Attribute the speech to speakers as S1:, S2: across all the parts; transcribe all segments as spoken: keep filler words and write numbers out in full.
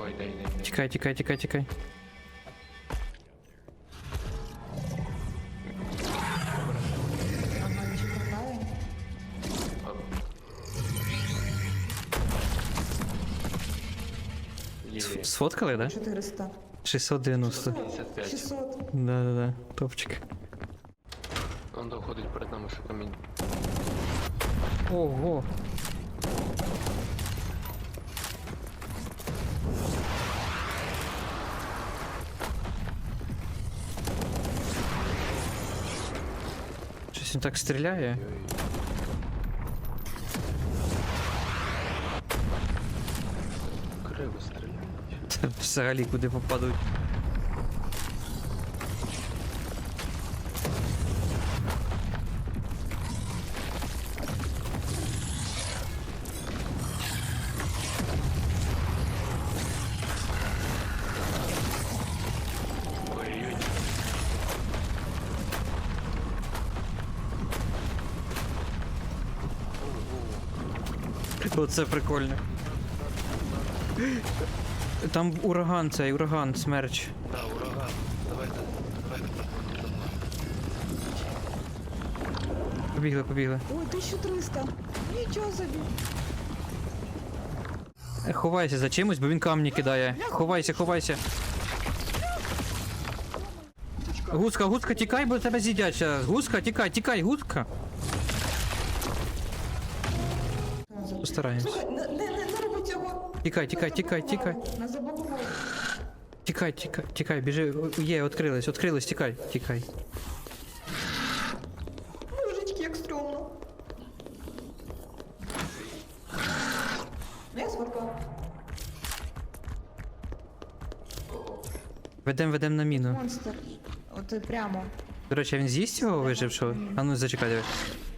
S1: Ой, дай, дай, дай.
S2: Тікай, тікай, тікай, тікай.
S3: Ага, нічого хватає.
S1: Є.
S2: Сфоткали, да?
S3: чотириста.
S2: шістсот дев'яносто.
S1: п'ятдесят п'ять.
S3: шістсот.
S2: Да-да-да, топчик.
S1: Он доходить перед нами, що камінь.
S2: Ого. Щось він так стріляє.
S1: Криво стріляють.
S2: Це взагалі куди попадуть.
S1: Ой-ой-ой.
S2: Оце прикольно. Там ураган цей, ураган, смерч.
S1: Да, ураган. Давайте, давайте.
S2: Побігли, побігли.
S3: Ой, тисяча триста. Нічого собі.
S2: Е, Ховайся за чимось, бо він камні кидає. Ховайся, ховайся. Гуска, гуска, тікай, бо тебе з'їдять зараз. Гуска, тікай, тікай, гуска. Постараємось.
S3: Слухай, не, не, не, не роби цього.
S2: Тікай, тікай, тікай, тікай.
S3: Нас заблокували.
S2: Тікай, тікай, тікай, біжи. О, є, відкрились, відкрились, тікай, тікай.
S3: Божечки, як стрьомно. Я сварка.
S2: Ведем, ведем на міну.
S3: Монстр. От прямо.
S2: До речі, а він з'їсть його вижившого? А ну зачекай, диви.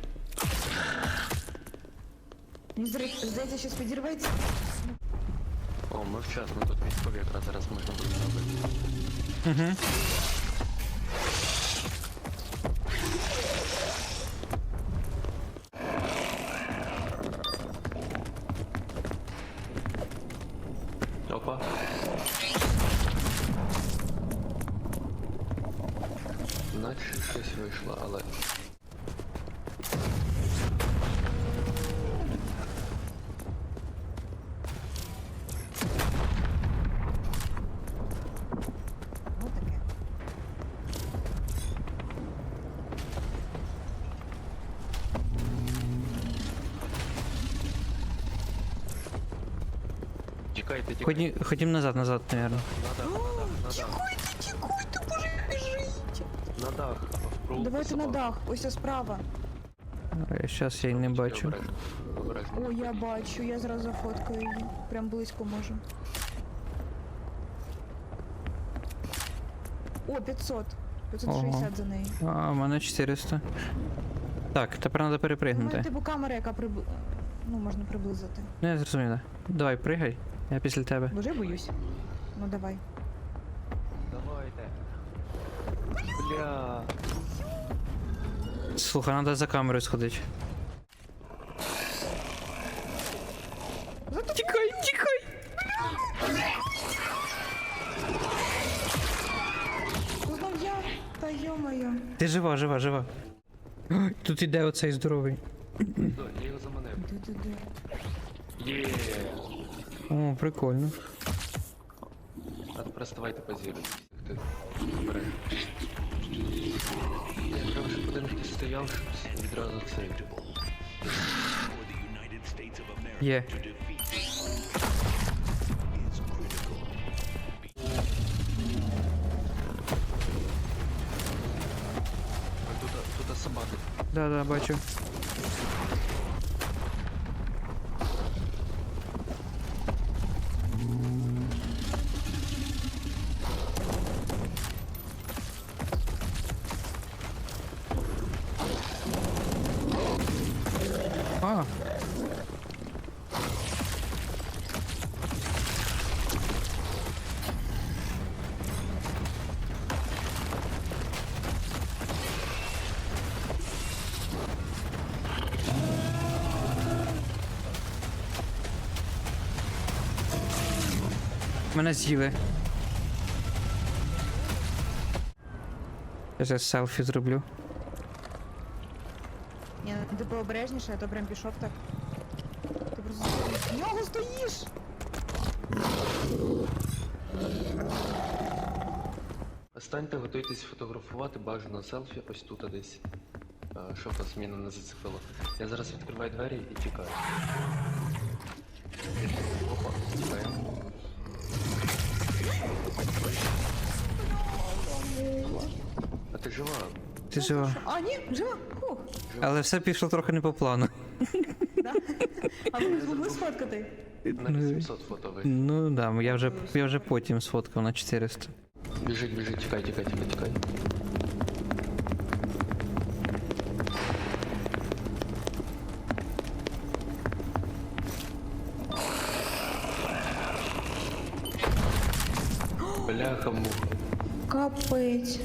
S3: Мені здається, щось підірветься.
S1: О, ми вчасно, тут військові якраз зараз можна буде зробити.
S2: Угу.
S1: Опа. Наче щось вийшло, але...
S3: Ну таке.
S1: Тікайте, тікайте.
S2: Ходім, ходім назад, назад, наверное.
S1: На дах, на дах, на дах.
S3: Тікуйте, тікуйте, боже, біжіть.
S1: На дах. в провулку
S3: Давайте на
S1: собак.
S3: дах, ось ось справа.
S2: Зараз я й не бачу.
S1: Обережно, обережно.
S3: О, я бачу, я зразу зафоткаю її. Прям близько можу. О, п'ятсот. п'ятсот шістдесят за неї.
S2: А, у мене чотириста. Так, тепер треба
S3: У мене
S2: перепригнути.
S3: типу камера, яка приб... ну, можна приблизити.
S2: Ну, я зрозумів, да. Давай, пригай, я після тебе.
S3: Боже, я боюсь. Ну давай.
S1: Давайте. Бля.
S2: Слухай, треба за камерою сходити. Тікай, тікай!
S3: Ну знов я. Та йо-моє.
S2: Ти жива, жива, жива. Ой, тут іде оцей здоровий.
S1: Да, я його заманив.
S3: Де-де-де.
S1: Є.
S2: О, прикольно.
S1: А тепер ставайте позірувати. Ти обережно. Я треба, щоб один хтось стояв, щоб відразу цей.
S2: Є.
S1: А тут, тут собаки.
S2: Да, да, бачу. А. Мене з'їли. Я зараз селфі зроблю.
S3: Ні, ти пообережніше, а то прям пішов так. Ти просто в нього стоїш!
S1: Станьте, готуйтесь фотографувати, бажано селфі ось тут а десь. А, щоб вас міна не зацепило. Я зараз відкриваю двері і тікаю. Опа, тікаємо. А ти жива?
S2: Ти жива.
S3: А, ні, жива! Хух!
S2: Але все пішло трохи не по плану.
S3: Да? А ви змогли сфоткати?
S1: На вісімсот фото ви.
S2: Ну да, я вже, я вже потім сфоткав на чотириста.
S1: Біжить, біжить, тікай, тікай, тікай, тікай. Бляха муха.
S3: Капець.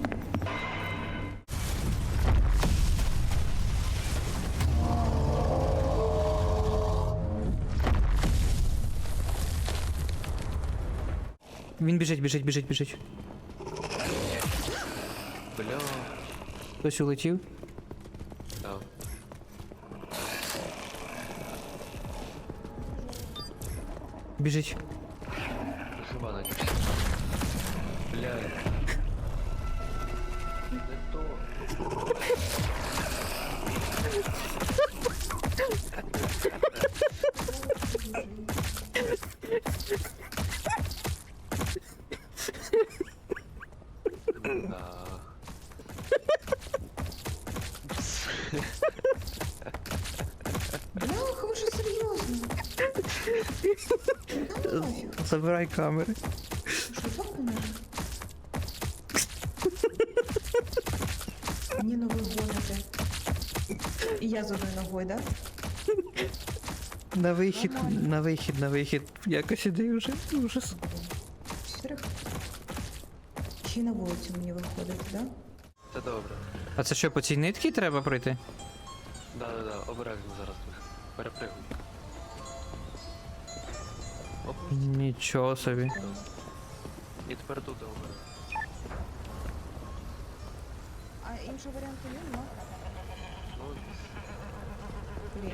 S2: Він біжить, біжить, біжить, біжить.
S1: Бля.
S2: Хтось улетів?
S1: Да.
S2: Біжить.
S1: Жива надіюсь. Бля. Не то. Да.
S3: Бляха, ви що серйозно? Ну, нафіг.
S2: Забирай камери.
S3: Що, так поможе? Ні, ну ви гоните. І я з одною ногою, да?
S2: На вихід,
S3: Нормально.
S2: на вихід, на вихід. Якось іди вже. Ужас.
S3: Чотирьох. Ще й на вулицю мені виходити, да?
S1: Та добре.
S2: А це що, по цій нитці треба пройти?
S1: Да, да, да, обережно зараз тут. Перепригуй. Оп,
S2: Нічого собі.
S1: і тепер тут обережно.
S3: А іншого варіанту нема?
S1: Ну,
S3: Блін.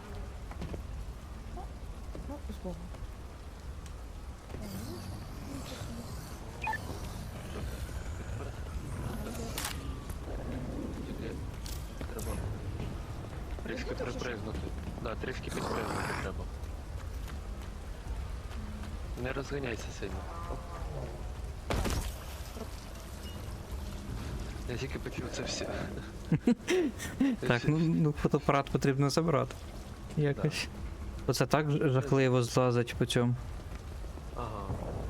S3: Ну, з Богом.
S1: тільки треба трішки припригнути. Да, трішки підпригнути треба. Не розганяйся сильно. Оп. Я тільки почув це все.
S2: Так, ну, ну фотоапарат потрібно забрати. Якось. Оце так ж- жахливо злазить по цьому.
S1: Ага.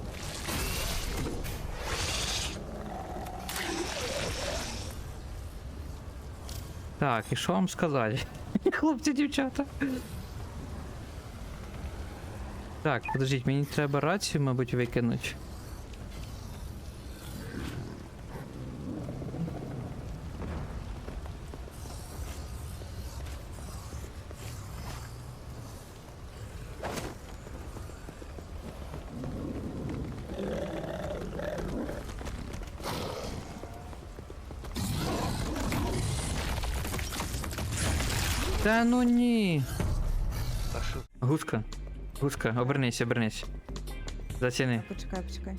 S2: Так, і що вам сказати? Хлопці, дівчата. Так, подождіть, мені треба рацію, мабуть, викинути. Та ну ні.
S1: А що?
S2: Гуска, гуска, обернись, обернись. Заціни.
S3: Почекай, почекай.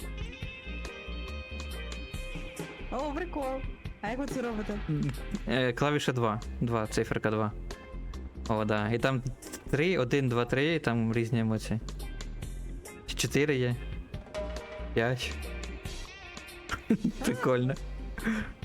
S3: О, прикол. А як ви це робите?
S2: Е, клавіша два. два, циферка два. О, да. І там три, один, два, три, і там різні емоції. чотири є. п'ять. Прикольно.